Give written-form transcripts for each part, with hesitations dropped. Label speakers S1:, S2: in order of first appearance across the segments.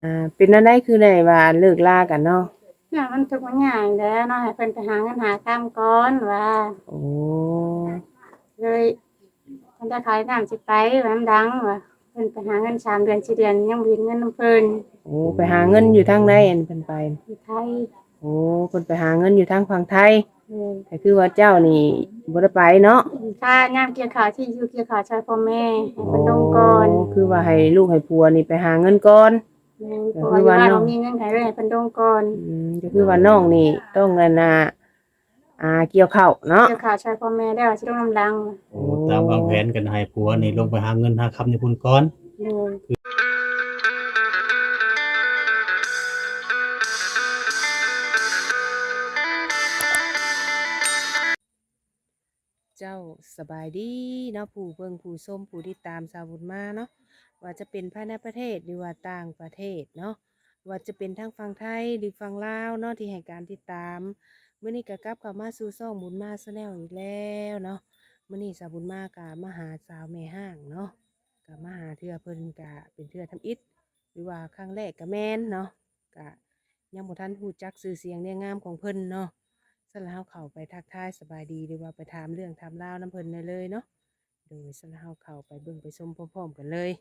S1: เป็นจั่งใดคือได้ว่าเลิกลากันเนาะ
S2: เนี่ยมันทุกข์มันยากแหล้วเนาะให้เพิ่นไปหาเงินหาทำก่อนว่า
S1: โอ้
S2: เลยเพิ่นจะขายน้ำสิไปว่ามันดังว่าเพิ่นไปหาเงิน3เดือน4เดือนยังบ่เห็นเงินนำเพิ่น
S1: โอ้ไปหาเงินอยู่ทางใดอันเพิ่นไป
S2: อยู่ไทย
S1: โอ้เพิ่นไปหาเงินอยู่ทางฝั่งไทย
S2: เออ
S1: ก็คือว่าเจ้านี่บ่ได้ไปเนาะ
S2: ค่ายามเกี่ยวข้าวที่อยู่เกี่ยวข้าวช่วยพ่อแม่ให้
S1: โอ้
S2: เพิ่นลงก่อน
S1: คือว่าให้ลูกให้ผัวนี่ไปหาเงินก่อน
S2: เพ
S1: ก็
S2: ราะว่าอยู่บ้าน
S1: คือว่าน้อง
S2: บ่มีเงินให้เลยให้เพิ่นลงก่อน
S1: ก็คือว่าน้องนี่ต้องอันน่ะเกี่ยวข้าวเนาะ
S2: เกี่ยวข้าวช่วยพ่อแม่แล้วสิลงน้ำลัง
S3: โอ้ตามวางแผนกันให้ผัวนี่ลงไปหาเงินหาคำอยู่พุ่นก่อน
S2: เออ
S1: เจ้าสบายดีเนาะผู้เบิ่งผู้ชมผู้ติดตามสาวบุญมาเนาะว่าจะเป็นภายในประเทศหรือว่าต่างประเทศเนาะว่าจะเป็นทั้งฝั่งไทยหรือฝั่งลาวเนาะที่ให้การติดตามมื้อนี้ก็กลับเข้ามาสู่ช่องบุญมาแนลอีกแล้วเนาะมื้อนี้สาวบุญมาก็มาหาสาวแม่ห้างเนาะก็มาหาเทื่อเพิ่นก็เป็นเทื่อทำอิฐหรือว่าครั้งแรกก็แม่นเนาะก็ยังบ่ทันรู้จักชื่อเสียงเรียงงามของเพิ่นเนาะ สลาวเข้าไปทักทายสบายดีหรือว่าไปถามเรื่องถามราวน้ำเพิ่นได้เลยเนาะโดยสลาวเข้าไปเบิ่งไปชมพร้อมๆกันเลย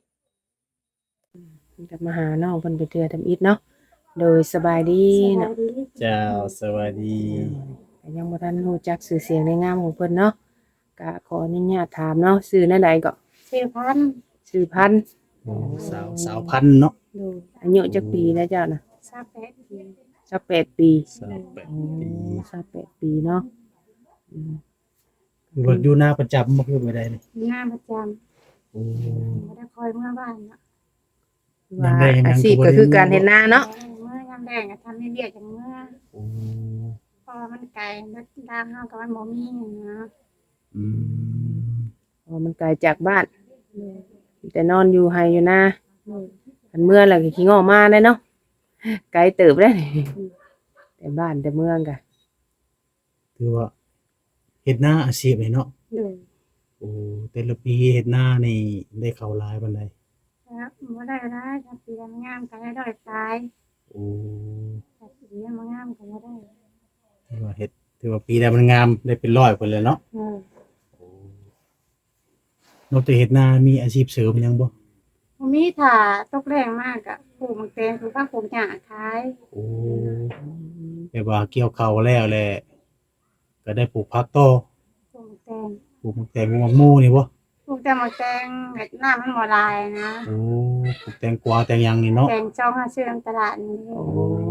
S1: กับมาหาน้องเพิ่นไปเทื่อทำอิฐเนาะโดยสบายดี
S2: สบา
S1: เนาะ
S2: ยดี
S3: เจ้าสวัสดี
S1: ก็ยังบ่ทันรู้จักชื่อเสียงในงามของเพิ่นเนาะก็ขออนุญาตถามเนาะชื่อแนวใดก็
S2: ชื่อพันธุ์
S1: ชื่อพันธุ์
S3: โอ้สาวพันธุ์เนาะ
S2: ดู
S1: อายุจักปีแล้วเจ้าน่ะ
S2: 28ปี
S1: 28ปี
S3: 28
S1: โอ้
S3: ปี
S1: 28ปีเนาะอืม
S3: คือว่าอยู่หน้าประจำบ่คือไปได้นี่
S2: งานประจำ
S3: โอ้
S2: บ่ได้คอยเมื่อบ้านเนาะ
S1: ว่า
S3: ยังได้ยัง
S1: อาชีพ
S3: บ่
S1: ก็
S3: ได้
S1: คือการเฮ็ดนาเนาะ
S2: เมื่อยามแดงก็ทำเรียกๆจังเมื่อ
S3: โอ้
S2: เพราะว่ามันไกลรถทางเฮาก็มันบ่มีนะ
S3: อืม
S1: เพราะมันไกลจากบ้าน
S2: เออ
S1: แต่นอนอยู่ไห้อยู่นา
S2: เออ
S1: อันเมื่อแล้วก็ขี้งอมาได้เนาะไกลเติบได้
S2: เออ
S1: แต่บ้านแต่เมืองกะ
S3: คือว่าเฮ็ดนาอาชีพนี่เนาะ
S2: เออ
S3: โอ้แต่ละปีเฮ็ดนานี่ได้เข้าหลายปานใด
S2: ครับบ่ได้หลายถ้าปีงามก็ได้ร้อยปลาย
S3: โอ้
S2: ถ้าปีบ่งามก็บ่ได้
S3: ถือว่าปีใดมันงามได้เป็นร้อยพุ่นเลยเนาะ
S2: เออ
S3: โอ้นอกจากเฮ็ดนามีอาชีพเสริมหยังบ่
S2: บ่มีถ้าตกแรงมากก็ปลูกหมากแตงปลูกผักปลูกหญ้าขาย
S3: โอ้แบบว่าเกี่ยวข้าวแล้วแหละก็ได้ปลูกผักต่อ
S2: ปลูกหมากแตง
S3: ปลูกแตงโมหมู่นี่บ่
S2: ปลูกแต่หมากแตงเฮ็ดน้ำมันบ่หลายนะ
S3: โอ้ปลูกแตงกวาแตงหยังนี่เนาะ
S2: แตงจองหาซื้อตามตลาดนี่
S1: โอ้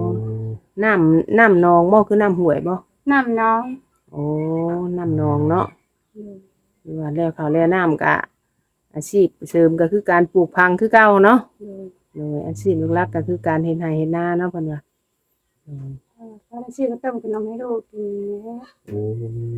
S1: น้ำนองบ่คือน้ำห้วยบ่
S2: น้ำน้อง
S1: โอ้น้ำนองเนาะ
S2: อืม
S1: หรือว่าแล้วข้าวแล้วน้ำกะอาชีพเสริมก็คือการปลูกพังคือเก่าเนาะ
S2: อืม
S1: โดยอาชีพหลักๆก็คือการเฮ็ดไร่เฮ็ดนาเนาะเพิ่นว่าอืม
S2: พอได้ซื้อก็ต้มขนมให้ลูกกินแหละ
S3: โอ้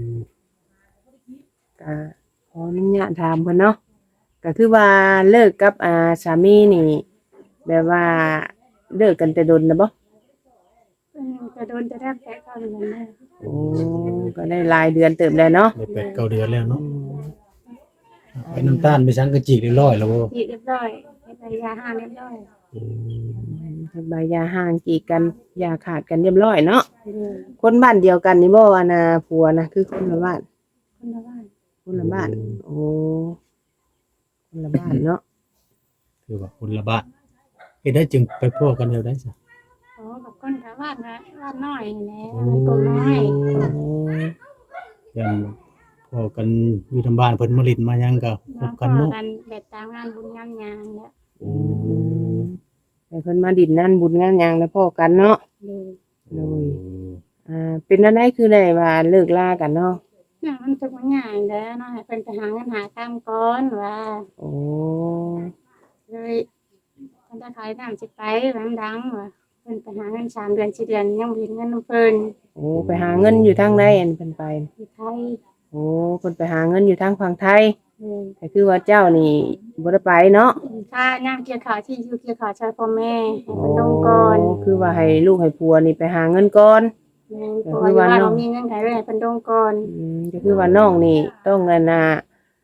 S1: ก็ขออนุญาตถามเพิ่นเนาะก็คือว่าเลิกกับสามีนี่แบบว่าเลิกกันแต่ดนนะบ่
S2: จะโดนจะได้แผลเข้าเรือนแม่
S1: โอ้ก็ได้รายเดือนเติมแล้วเนาะ
S3: ได้8-9 เดือนแล้ว
S1: อื
S3: เนาะ
S1: ม
S3: ไปน้ำตาลไปสังกะจีเรียบร้อยแล้วบ่
S2: ฉีดเรียบร้อยเฮ็ดใบยาห้ามเรียบร้อย
S3: โอ้
S1: ใบยาห่างกีดกันยาขาดกันเรียบร้อยเนาะ
S2: เออ
S1: คนบ้านเดียวกันนี่บ่ว่านะผัวนะคือคนละบ้าน
S2: คนละบ้าน
S1: คนละบ้านโอ้คนละบ้านเนาะ
S3: คือว่าคนละบ้านเฮ็ดได้จึงไปพ้อกันแล้วได้ซะ
S2: อ๋อกับคนละบ้านนะบ้านน้อยนี่แหละ
S3: โอ้
S2: มันก็น้อย
S1: โอ้
S3: ยันพ้อกันอยู่ทางบ้านเพิ่นมาลิ้นมาหยังก็พ
S2: มา
S3: บ
S2: พอ
S3: กันเนาะ
S2: กันแบบตามงานบุญงานหยังเนี่ย
S3: โอ้
S1: แต่เพิ่นมาดินนั่นบุญงานหยังแล้วพ้อกันเนาะ
S2: เลย
S1: โดยเป็นจั่งใดคือได้ว่าเลิกลากันเนาะ
S2: เนี่ยมันทุกข์มันยากแหล้วเนาะให้เพิ่นไปหาเงินหาทำก่อนว่า
S1: โอ้
S2: เลยเพิ่นจะขายน้ำสิไปว่ามันดังว่าเพิ่นไปหาเงิน3เดือน4เดือนยังบ่เห็นเงินนำเพิ่น
S1: โอ้ไปหาเงินอยู่ทางใดอันเพิ่นไป
S2: อยู่ไทย
S1: โอ้เพิ่นไปหาเงินอยู่ทางฝั่งไทย
S2: เออ
S1: ก็คือว่าเจ้านี่บ่ได้ไปเนาะ
S2: ค่ายามเกี่ยวข้าวที่อยู่เกี่ยวข้าวช่วยพ่อแม่ให้
S1: อ๋อ
S2: เพิ่นลงก่อน
S1: คือว่าให้ลูกให้ผัวนี่ไปหาเงินก่อนก็
S2: เพราะ
S1: คือว่า
S2: ว่าอยู่บ้าน
S1: น้อง
S2: บ่มีเงินให้เลยให้เพิ่นลงก่อน
S1: ก็คือว่าน้องนี่ต้องอันน่ะ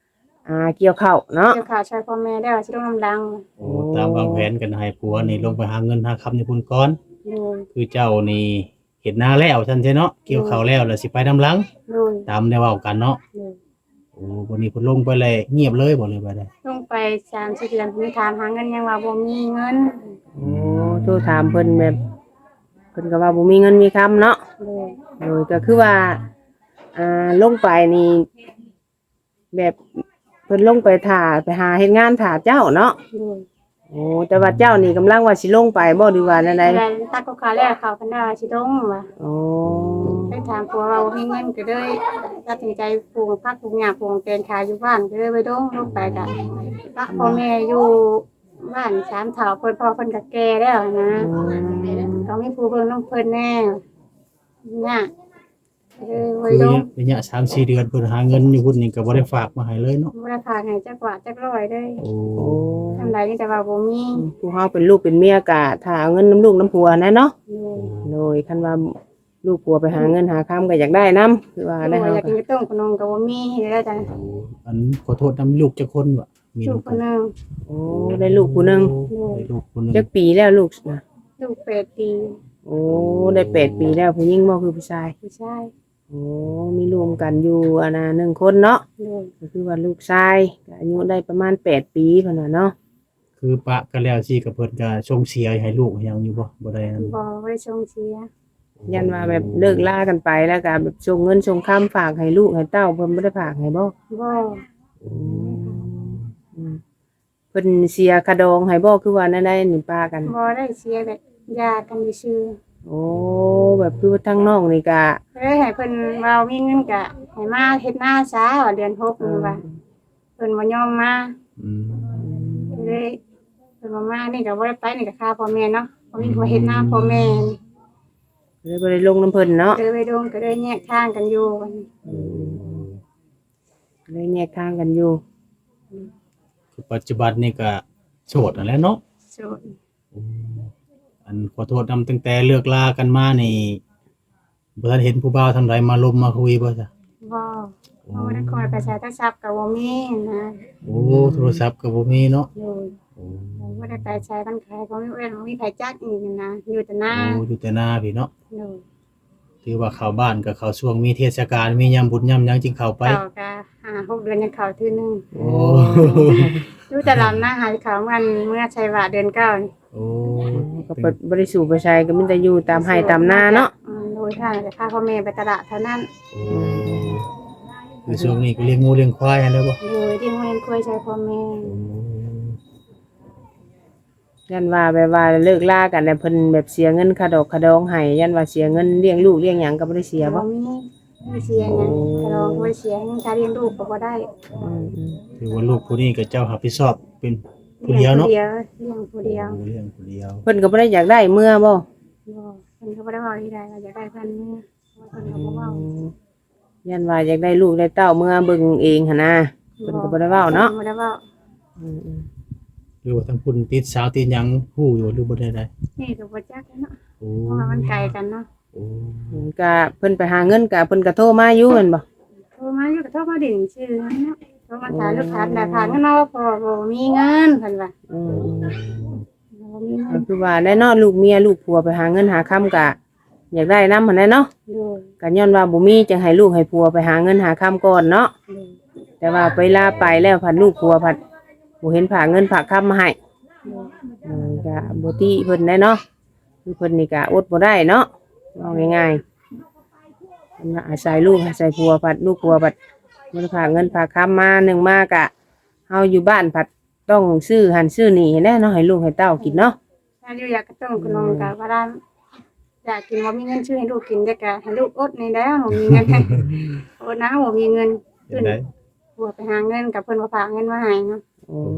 S1: เกี่ยวข้าวเนาะ
S2: เกี่ยวข้าวช่วยพ่อแม่ได้ว่าสิลงน้ำดัง
S3: โอ้ตามวางแผนกันให้ผัวนี่ลงไปหาเงินหาคำในพุ่นก่อน
S2: โดย
S3: คือเจ้านี่เฮ็ดนาแล้วซั่นใช่เนาะเกี่ยวข้าวแล้วแล้วสิไปนำหลัง
S2: โดย
S3: ตามได้เว้ากันเนาะ
S2: โดย
S3: โอ้วันนี้เพิ่นลงไปเลยเงียบเลยบ่เลยไปได้
S2: ลงไป3-4เดือนมีถามหาเงินยังว่าบ่มีเงิน
S1: โอ้โทรถามเพิ่นแบบเพิ่นก็ว่าบ่มีเงินมีคำเนาะ
S2: โดย
S1: โดยก็คือว่าลงไปนี่แบบเพิ่นลงไปถ่าไปหาเฮ็ดงานถ่าเจ้าเนาะ
S2: โดย
S1: โอ้แต่ว่าเจ้านี่กำลังว่าสิลงไปบ่หรือว่าแนวใด
S2: แล้วตักก็ขาแล้วเขาเพิ่นว่าสิลงว่า
S1: โอ้
S2: ไปถามผัวว่าบ่มีเงินก็เลยตัดสินใจปลูกผักปลูกหญ้าปลูกแตงขายอยู่บ้านก็เลยไปลงไปก็ปักพ่อแม่อยู่บ้าน3เฒ่าเพิ่นพ่อเพิ่นก็แก่แล้วนะต้องมีผู้เบิ่งน้องเพิ่นแน่เนี่ยเลยไว้
S3: คือ
S2: ลง
S3: ระยะ 3-4 เดือนเพิ่นหาเงินอยู่พุ่นนี่ก็บ่ได้ฝากมาให้เลยเนาะ
S2: บ่ได้พาให้จักว่าจักร้อยเลย
S3: โอ้
S1: โอ้
S2: ทำไรนี่แต่ว่าบ่มี
S1: ผู้เฮาเป็นลูกเป็นเมียก็ถ้าเอาเงินน้ำลูกน้ำผัวนะเนาะ
S2: อยู่
S1: โดยคันว่าลูกผัวไปหาเงินหาคำก็อยากได้นํคือว่าได้
S2: บ่
S1: เฮา
S2: อยาก
S1: ก็
S2: กินต้มขนมก็บ่มีเฮ็ดได้จ้ะ
S3: อันขอโทษนำลูกจักคนบ่มี
S2: ลู
S3: ลู
S2: ก
S3: ก
S2: คนหนึง
S1: โอ้ได้ลูกผู้หนึง
S3: ได้ลูกคนหนึง
S1: จักปีแล้วลูกนะ
S2: ลูก8 ปี
S1: โอ้ได้8 ปีแล้วผู้หญิงบ่คือผู้ชาย
S2: ผู้ชาย
S1: โอ้มีรวมกันอยู่1 คนเนาะ
S2: อยู่
S1: ก็คือว่าลูกชายก็อายุได้ประมาณ8 ปีเพิ่นน่ะเนาะ
S3: คือปะกันแล้วสิกับเพิ่นก็ส่งเสียให้ลูกให้หยังอยู่บ่ได้นั่น
S2: บ่ได้ส่งเสีย
S1: ยันว่าแบบเลิกลากันไปแล้วก็แบบส่งเงินส่งคำฝากให้ลูกให้เต้าเพิ่นบ่ได้ฝากให้บ่
S2: บ่
S1: อืมเพิ่นเสียคาดองให้บ่คือว่านั่นได้นี่ป้ากัน
S2: บ่ได้เสียแบบญาติกันซื่อ
S1: โอ้แบบคือทั้งน้องนี่ก็
S2: ๆเลยให้เพิ่นว่ามีเงินก็ให้มาเฮ็ดนาซะว่าเดือน6นี่ว่าเพิ่นบ่ยอมมา
S3: อืม
S2: เลยเพิ่นบ่มานี่ก็บ่ได้ไปนี่ก็ค่าพ่อแม่เนาะบ่มีผู้เฮ็ดนาพ่อแม่
S1: เลยบ่ได้ลงน้ำเพิ่นเนาะ
S2: เลยไปดงก็เลยแยกทางกันอยู่
S1: เลยแยกทางกันอยู่
S3: คือปัจจุบันนี่ก็โสดนั่นแหละเนาะ
S2: โสด
S3: อันขอโทษนำตั้งแต่เลิกลากันมานี่บ่ทันเห็นผู้บ่าวทางใดมาลมมาคุยบ่จ้ะ
S2: บ่บ่ได้คอยไปใช้โทรศัพท์ก็บ่มีนะ
S3: โอ้โทรศัพท์ก็บ่มีเนาะ
S2: โดย
S3: โอ้
S2: บ่ได้ไปใช้กันขายก็มีเว้นบ่มีไผจักอีกนะอยู่แต่หน้า
S3: อยู่แต่หน้าพี่เนาะ
S2: โดย
S3: ถือว่าเข้าบ้านก็เข้าช่วงมีเทศกาลมียามบุญยามหยังจึงเข้าไป
S2: เข้าก็5-6เดือนยังเข้าทีนึง
S3: โอ้
S2: อยู่แต่ลำหน้าหายเขามันเมื่อใช้ว่าเดือนเก้านี่
S3: โอ้
S1: ก็บ่ได้สู่ไปใช้ก็มีแต่อยู่ตามไร่ตามนาเนาะ
S2: โดยทางแต่พาพ่อแม่ไปตลาดเท่านั้น
S3: คือช่วงนี้ก็เลี้ยงงูเลี้ยงควายให้แล้วบ่
S2: โดยที่โรงเรียนคุยใช้พ่อแม่
S1: ยันว่าแบบว่าเลิกลากันแล้วเพิ่นแบบเสียเงินค่าดอกค่าดองให้ยันว่าเสียเงินเลี้ยงลูกเลี้ยงหยังก็บ่ได้เสียบ่
S2: มีเสียหยังแต่เราบ่ได้เสียหยังถ้าเลี้ยงลูกก็บ่ได้
S3: ถือว่าลูกผู้นี้ก็เจ้ารับผิดชอบเป็นผู้เดียวเนาะ
S2: เลี้ยงผู้เดียว
S3: เลี้ยงผู้เดียว
S1: เพิ่นก็บ่ได้อยากได้เมื่อบ่
S2: บ่เพิ่นก็บ่ได้เว้าที่ใดว่าอยากได้เพิ่นเมื่อเพิ่นก็บ่เว้า
S1: ยันว่าอยากได้ลูกได้เต้าเมื่อเบิ่งเองหั่นนะเพิ่นก็บ่ได้เว้าเนาะ
S2: บ่ได้เว้า
S3: หรือว่าทางคุณติดสาวติดหยังฮู้อยู่หรือบ่ได้
S2: นี่ก็บ่จักเนาะ
S3: โอ้
S2: เพราะว่ามันไกลกันเนาะ
S3: โอ้
S1: ก็เพิ่นไปหาเงินก็เพิ่นก็โทรมาอยู่แม่นบ่
S2: โทรมาอยู่ก็โทรมาดิ่งชื่อเนาะโทรมาถามลูกค้าแต่ถามกันเนาะว่าพ่อบ่มีเงินเพิ่นว่าบ่มีเงิ
S1: ก็
S2: น
S1: คือว่าแน่เนาะลูกเมียลูกผัวไปหาเงินหาค่ำก็อยากได้นำหั่นแหละเนาะ
S2: โดย
S1: ก็ย้อนว่าบ่มีจึงให้ลูกให้ผัวไปหาเงินหาค่ำก่อนเนาะ
S2: โดย
S1: แต่ว่าไปลาไปแล้วพัดลูกผัวพัดบ่เห็นผากเงินผากค่ำมาให้
S2: โดย
S1: ก็บ่ติเพิ่นได้เนาะคือเพิ่นนี่ก็อดบ่ได้เนาะเอาง่ายๆเพิ่นว่าอาศัยลูกอาศัยผัวพัดลูกผัวพัดบ่ได้ผากเงินผากค่ำมาหนึ่งมากะเฮาอยู่บ้านพัดต้องซื้อหันซื้อนี่แน่เนาะให้ลูกให้เต้ากินเนาะ
S2: ถ้าอยู่อยากกระต้มขนมก็ว่าได้อยากกินบ่มีเงินซื้อให้ลูกกินแต่ก็ให้ลูกอดนี่แหล้วบ่มีเงิน อดนะบ่มีเงิน
S3: เห็นได้
S2: บัวไปหาเงินกับเพิ่นบ่ฝากเงินมาให้เนาะ
S1: โอ้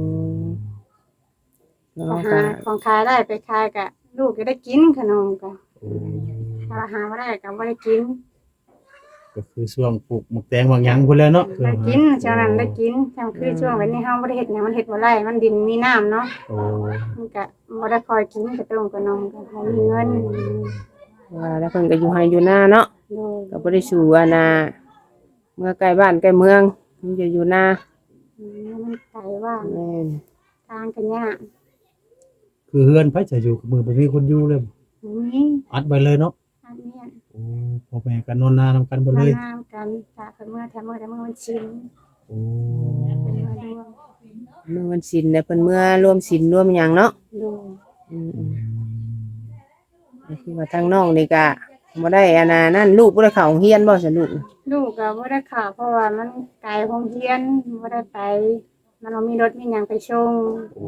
S1: เนาะ
S2: ก็
S1: ก็
S2: หาของขายได้ไปขายก็ลูกก็ได้กินขนมก็
S3: โอ้
S2: ถ้าหาบ่ได้ก็บ่ได้กิน
S3: ก็คือช่วงปลูกหมกแตงบางหยังพุ่นแหล้วเนาะ
S2: ได้กินช่วงนั้นได้กินช่วงคือช่วงวันนี้เฮาบ่ได้เฮ็ดหยังมันเฮ็ดบ่ได้มันดินมีน้ำเนาะ
S3: โอ้
S2: มันก็บ่ได้คอยกินก็ต้มขนมก็บ่มีเงิน
S1: ว่าแล้วเพิ่นก็อยู่ให้อยู่หน้าเนาะ
S2: โดย
S1: ก็บ่ได้สู่เมื่อใกล้บ้านใกล้เมืองมันจะอยู่หน้า
S2: โมันไกลว่าง
S1: แม่น
S2: ทางกันยาก
S3: คือเฮือนไผจะอยู่กับมือบ่มีคนอยู่เลย
S2: บ่มี
S3: อัดไว้เลยเนาะ
S2: อันเนี้ย
S3: โอ้พ่อแม่ก็นอนนานำกันบ่
S2: มา
S3: เลย
S2: น้ำกันถ้าเพิ่นเมื่อแต่เมื่อมันชิน
S3: โอ้
S2: เป็นมาดวง
S1: เมื่อวันศีลเนี่ยเพิ่นเมื่อร่วมศีลร่วมหยังเนาะ
S2: ดู
S1: อืมก็คือว่าทางน้องนี่ก็บ่ได้อันนั่นลูกบ่ได้เข้าโรงเรียนบ่ซั่นลูก
S2: ลูกก็บ่ได้ข่าวเพราะว่ามันไกลโรงเรียนบ่ได้ไป มันบ่มีรถมีหยังไปส่ง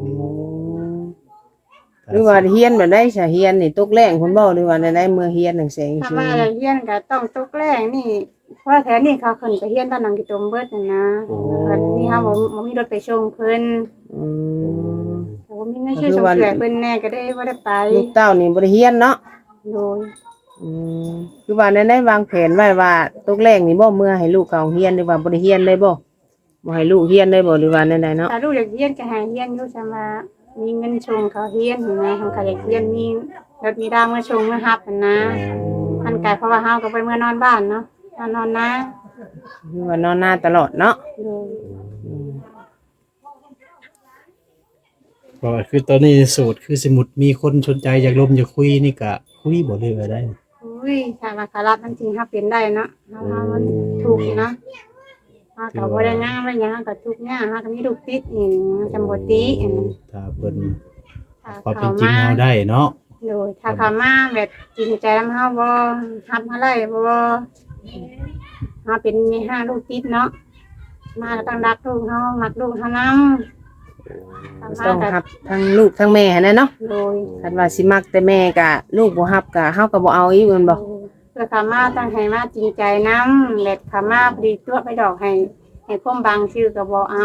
S1: หรือว่าเฮียนแบบได้ซะเฮียนนี่ตกแรงพุ่นบ่หรือว่าได้เมื่อเฮียนจังซี่
S2: ถ้าว่าเรียนก็ต้องตกแรงนี่เพราะว่าแถวนี้เขาขึ้นไปเรียนบ้านหลังกิตมเบิดนั่นนะเพิ่นนี่เฮาบ่มีรถไปส่งเพิ่น
S1: อืม
S2: แต่ว่ามีเงินช่วยส่งเสียเพิ่นแน่ก็ได้บ่ได้ไป
S1: ลูกเต้านี่บ่ได้เฮียนเนาะ
S2: โดย
S1: อืมคือว่าได้วางแผนไว้ว่าตกแรงนี่บ่เมื่อให้ลูกเข้าโรงเรียนหรือว่าบ่ได้เฮียนเลยบ่ให้ลูกเฮียนเลยบ่หรือว่าใดๆเนาะ
S2: ถ้าลูกอยากเรียนก็ให้เรียนอยู่ซั่นว่ามีเงินส่งเขาเรียนเห็นไหมเขาก็อยากเรียนมีรถมีดาวมาส่งมารับนั่นนะมันไกลเพราะว่าเฮาก็ไปเมื่อนอนบ้านเนาะนอนนะ
S1: คือว่านอนหน้าตลอดเนาะ
S2: โดย
S1: อืม
S3: ก็คือตอนนี้โสดคือสมมุติมีคนสนใจอยากลมอยากคุยนี่ก็คุยบ่เลยก็ได้
S2: อุ้ยถ้าว่าขารับมันจริงเฮาเป็นได้เนาะเฮามันถูกอยู่เนาะเฮาก็บ่ได้งามอะไรหยังเฮาก็ทุกข์ยากเฮาก็มีลูกติดนี่จำบ่ติอันนั้น
S3: ถ้าเพิ่น
S2: ถ้า
S3: ความเป็
S2: เขา
S3: นจริง
S2: มา
S3: เฮาได้เนาะ
S2: โดยถ้าเขามาแบบจริงใจนำเฮาบ่รับเฮาได้บ่เฮาเป็นมีห้าลูกติดเนาะมาก็ต้องรักลูกเฮามักลูกเฮานำ
S1: ต้องรับทั้งลูกทั้งแม่หั้นนะเนาะ
S2: โดย
S1: คันว่าสิมักแต่แม่ก็ลูกบ่รับก็เฮาก็บ่เอาอีกแม่นบ่
S2: เพื่อขามาตั้งให้มาจริงใจน้ำเล็ดขามาพอดีตัวไปดอกให้พ่มบางชื่อกับบเอา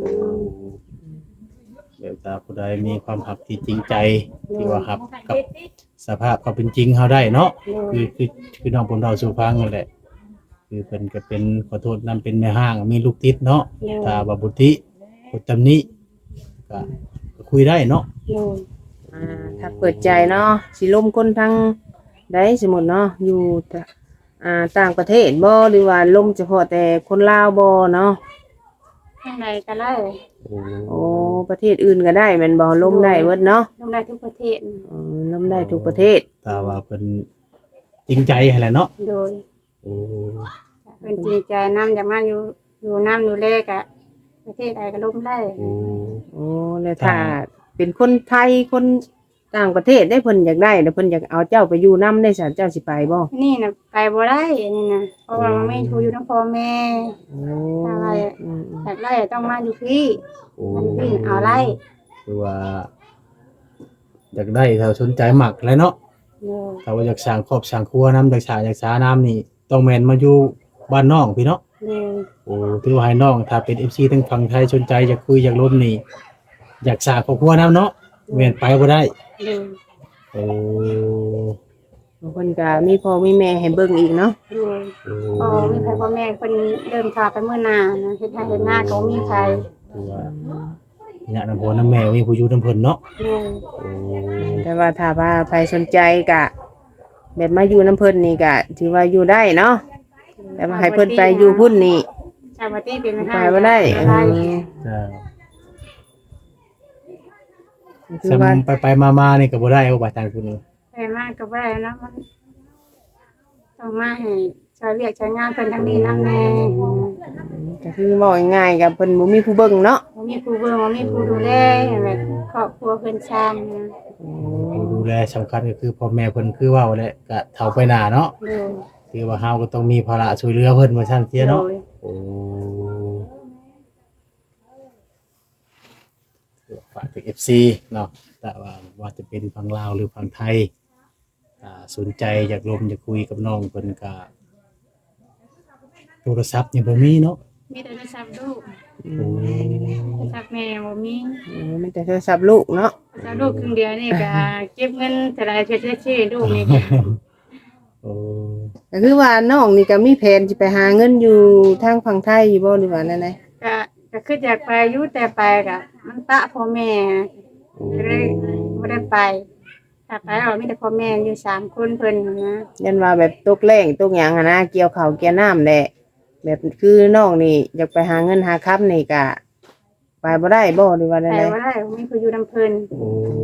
S3: เดี๋ยวถ้าผู้ใดมีความหักที่จริงใจที่ว่าครับกับสภาพความเป็นจริงเฮาได้เนาะคือน้องผมเราสู่ฟังนั่นแหละคือเพิ่นก็เป็นขอโทษนํเป็นแม่ห้างมีลูกติดเนาะถ้าว่าบุติกดตำหนิก็คุยได้เนาะ
S1: ถ้าเปิดใจเนาะสิลมคนทางใดสมมุติเนาะอยู่ต่างประเทศบ่หรือว่าลมเฉพาะแต่คนลาวบ่เนาะ
S2: ข้างในก็ได้
S1: โอ้ประเทศอื่นก็ได้แม่นบ่ลมได้เบิดเนาะ
S2: ลงได้ทุกประเทศ
S1: ลมได้ทุกประเทศ
S3: ถ้าว่าเพิ่นจริงใจให้แหละเนาะ
S2: โดยเป็นจริงใจน้ำอยากมาอยู่น้ำอยู่แรกอะประเทศใดก็ล้มได้
S1: โอ้แล้วถ้าเป็นคนไทยคนต่างประเทศได้เพิ่นอยากได้แล้วเพิ่นอยากเอาเจ้าไปอยู่นํได้ซั่นเจ้าสิไปบ่
S2: นี่นะไปบ่ได้นี่นะเพราะว่ามันไม่ถูกอยู่น้ำพ่อแม่
S1: โอ้
S2: อะไร
S1: อืม
S2: อยากได้ต้องมาอยู่พี่มันพี่เอาไล่
S3: คือว่าอยากได้ถ้าสนใจหมักแล้วเนาะ
S2: โดย
S3: ถ้าว่าอยากสร้างครอบสร้างครัวน้ำอยากสาน้ำนี่ต้องแม่นมาอยู่บ้านน้องพี่เนาะ
S2: โดย
S3: โอ้ถือว่าให้น้องถ้าเป็น FC ทั้งฝั่งไทยสนใจอยากคุยอยากร่วมนี่อยากสร้างครอบครัวน้ำเนาะแม่นไปบ่ได้
S2: โดย
S3: โอ้
S1: บางคนก็มีพ่อมีแม่ให้เบิ่งอีกเนาะ
S2: โดยพอมีใครพ่อแม่คนเริ่มพาไปเมื่อนานะเฮ็ดให้เฮ็ดหน้าก็บ่มีใคร
S3: ถือว่าเนี่ยน้ำพ่อน้ำแม่มีผู้อยู่น้ำเพิ่นเนาะ
S2: โดย
S3: โอ้
S1: แต่ว่าถ้าว่าใครสนใจก็แบบมาอยู่น้ำเพิ่นนี่ก็ถือว่าอยู่ได้เนาะแต่ว่าให้เพิ่นไปอยู่พุ่นนี่
S2: ชาวบ้านที่เป็น
S1: ไปบ่ได้
S2: ได้
S3: จ้า
S1: คือว่า
S3: ไปมาๆนี่ก็บ่ได้เอาไปทางคุณ
S2: ไปมากก็บ่ได้เนาะมันต้องมาให้ชาวเรียกชาวงานเพิ่นทางนี้นำแน่
S1: ก็คือบอกง่ายๆกับเพิ่นบ่มีผู้เบิ่งเนาะ
S2: บ่มีผู้เบิ่งบ่มีผู้ดูแลแบบครอบครัวเพิ่นช้างนะ
S3: ผู้ดูแลสำคัญก็คือพ่อแม่เพิ่นคือเว้าแหละก็เฒ่าไปหน้าเนาะ
S2: โดย
S3: คือว่าเฮาก็ต้องมีภาระช่วยเหลือเพิ่นว่าซั่นเสียเนาะ
S2: โดย
S3: โอ้ฝากถึง FC เนาะแต่ว่าจะเป็นฝั่งลาวหรือฝั่งไทยสนใจอยากร่วมอยากคุยกับน้องเพิ่นก็โทรศัพท์นี่บ่มีเนาะ
S2: มีแต่โทรศัพท์ลูก
S3: โอ้
S2: โทรศัพท์แม่บ่มี
S1: มีแต่โทรศัพท์ลูกเนาะ
S2: โทรศัพท์ลูกครึ่งเดียวนี่ก็เก็บเงินแต่ละเทื่อชื่อลูกนี่ก็
S3: โอ้
S1: ก็คือว่าน้องนี่ก็มีแผนสิไปหาเงินอยู่ทางฝั่งไทยอยู่บ่หรือว่านั่นได
S2: ก็คืออยากไปอยู่แต่ไปก็มันปะพ่อแม่ก็เลยบ่ได้ไปถ้าไปเรามีแต่พ่อแม่อยู่3คนเพิ่นนะ
S1: ยันว่าแบบตกแรงตกหยังหันนะเกี่ยวข้าวเกี่ยวน้ำแหละแบบคือน้องนี่อยากไปหาเงินหาค้ำนี่ก็ไปบ่ได้บ่หรือว่า
S2: ไป
S1: ได
S2: บ่ได้มีผู้อยู่นำเพิ่น
S3: โอ้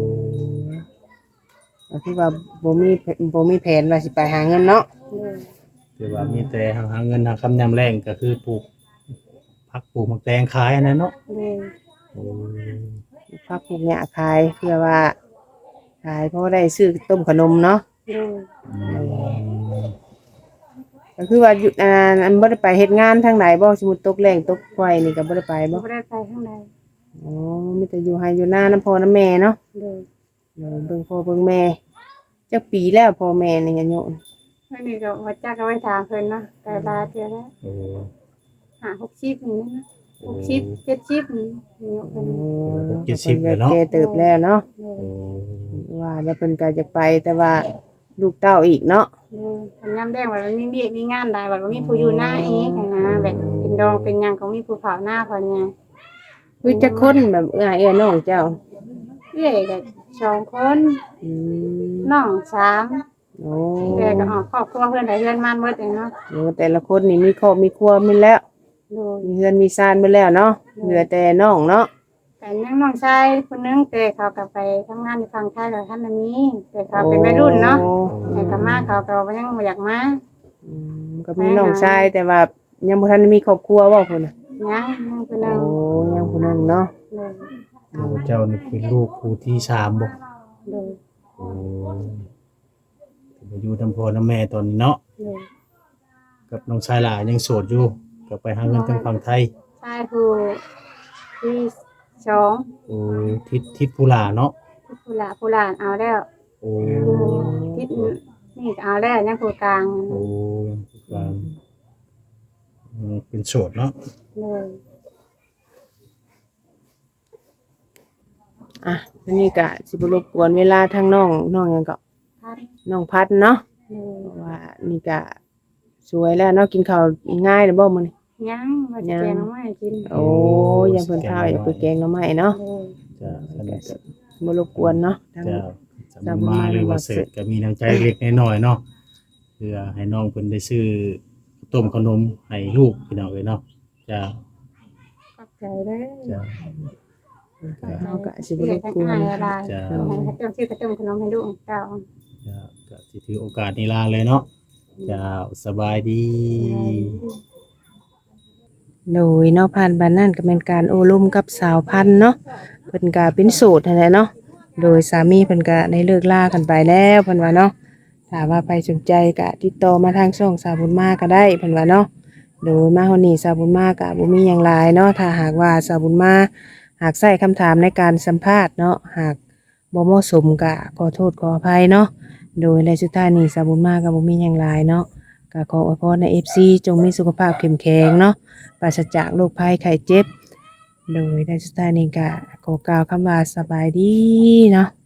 S1: ก็คือว่าบ่มีแผนว่าสิไปหาเงินเนาะ
S3: คือว่ามีแต่หาเงินหาคำยามแรงก็คือปลูกผักปลูกหมักแตงขายอันนั้นเนาะ
S2: เลย
S3: โอ้
S1: พักพวกเนี้ยขายเพื่อว่าขายเพราะว่าได้ซื้อต้มขนมเนาะ
S2: เลย
S3: อืม
S1: ก็คือว่าอยู่อันบ่ได้ไปเฮ็ดงานทางไหนบ่สมมุติตกแรงตกไฟนี่ก็บ่ได้ไปบ่
S2: บ่ได้ไปข้างใน
S1: อ๋อมีแต่อยู่ไห้อยู่หน้าน้ำพ่อน้ำแม่เนาะ
S2: เลย
S1: เดี๋ยวเบิ่งพ่อเบิ่งแม่จักปีแล้วพ่อแม่นี่ยังอยู่
S2: อันนี้ก็ว่าจักเอาไว้ถามเพิ่นเนาะแต่ลาเทื่อแล้ว
S3: โอ้
S2: 60นี่นะ60 70นี่อยู่เพิ่น
S1: แก่เติบแล้วเนาะ
S2: เล
S3: โอ้
S2: ย
S1: ว่าแล้วเพิ่นก็จะไปแต่ว่าลูกเต้าอีกเนาะ
S2: คันยามแดงว่ามันมีเวียกมีงานได้ว่ามีผู้อยู่หน้าอีกนะแบบเป็นดองเป็นหยังก็มีผู้เผาหน้าเพิ่นไง
S1: คือจักคนแบบเอื้อน้องเจ้า
S2: เอ้ยก็2คน
S1: อืม
S2: น้อง3
S1: โอ้
S2: แต่ก็ออกครอบครัวเพิ่นได้เฮือนมันหมดเลยเนาะ
S1: โอ้แต่ละคนนี่มีครอบมีครัวหมดแล้ว
S2: โดย
S1: มีเฮือนมีซานหมดแล้วเนาะเหลือแต่น้องเนาะ
S2: แต่ยังน้องชายคนนึงแต่เขาก็ไปทำงานอยู่ฝั่งไทยแล้วท่านน่ะมีแต่เขาเป็นวัยรุ่นเนาะ
S1: โอ้
S2: แต่ก็มาเขาก็ยังบ่อยากมา
S1: อืมก็มีน้องชายแต่ว่ายังบ่ทันได้มีครอบครัวบ่พุ่นน่ะ
S2: ยังคนนึ
S1: โอ้
S2: ง
S1: ยังผู้นั้นเนาะ
S2: เลย
S3: เจ้านี่เป็นลูกผู้ที่สามบ่
S2: เลย
S3: โอ้อยู่ทำพ่อทำแม่ตอนนี้เนาะ
S2: เลย
S3: กับน้องชายหลานยังโสดอยู่ก็ไปหาเงินทางฝั่งไทย
S2: ชายผู้ที่สอง
S3: โอ้ทิศผู้หลาเนาะ
S2: ที่ผู้หลานเอาแล้ว
S3: โอ้
S2: ทิศนี่ก็เอาแล้วยังผู้กลาง
S3: โอ้กลางเป็นโสดเนาะ
S2: เลย
S1: อ่ะอันนี้ก็สิบ่รบกวนเวลาทางน้องหยังก็
S2: พัด
S1: น้องพัดเนาะ
S2: เลย
S1: เพราะว่านี่ก็สวยแล้วเนาะกินข้าวง่ายเด้อบ่มื้อนี้
S2: ยังมาจะแกงน้ำไม้กิน
S1: โอ้ยังเพิ่นข้าวอยากไปแกงหน่อไม้เนาะ
S2: เลย
S3: จะอันนี้ก็
S1: บ่รบกวนเนาะทาง
S3: จะมาหรือว่าเสร็จก็มีน้ำใจเล็กน้อยๆเนาะเพื่อให้น้องเพิ่นได้ซื้อต้มขนมให้ลูกพี่น้องเอ้ยเนาะจะ
S2: ขอบใจเด้อ
S3: จะ
S1: เฮาก็สิบ่รบกวน
S2: อะไร
S3: จะ
S2: ให้เจ้าชื่อกระเติมขนมให้ลูกเจ้า
S3: ก็สิถือโอกาสนี้ลาเลยเนาะจะสบายดี
S1: โดยเนาะผ่านบ้านนั่นก็เป็นการโอลุ่มกับสาวพันธุ์เนาะเพิ่นก็เป็นโสดนั่นแหละเนาะโดยสามีเพิ่นก็ได้เลิกลากันไปแล้วเพิ่นว่าเนาะถ้าว่าใครสนใจก็ติดต่อมาทางช่องสาวบุญมาก็ได้เพิ่นว่าเนาะโดยมาเฮานี่สาวบุญมาก็บ่มีหยังหลายเนาะถ้าหากว่าสาวบุญมาหากใช้คำถามในการสัมภาษณ์เนาะหากบ่เหมาะสมก็ขอโทษขออภัยเนาะโดยในสุดท้ายนี้สาวบุญมาก็บ่มีหยังหลายเนาะก็ขออวยพรใน FC จงมีสุขภาพเข้มแข็งเนาะ ปราศจากโรคภัยไข้เจ็บ โดยในสุดท้ายนี้ก็ขอกล่าวคำว่าสบายดีเนาะ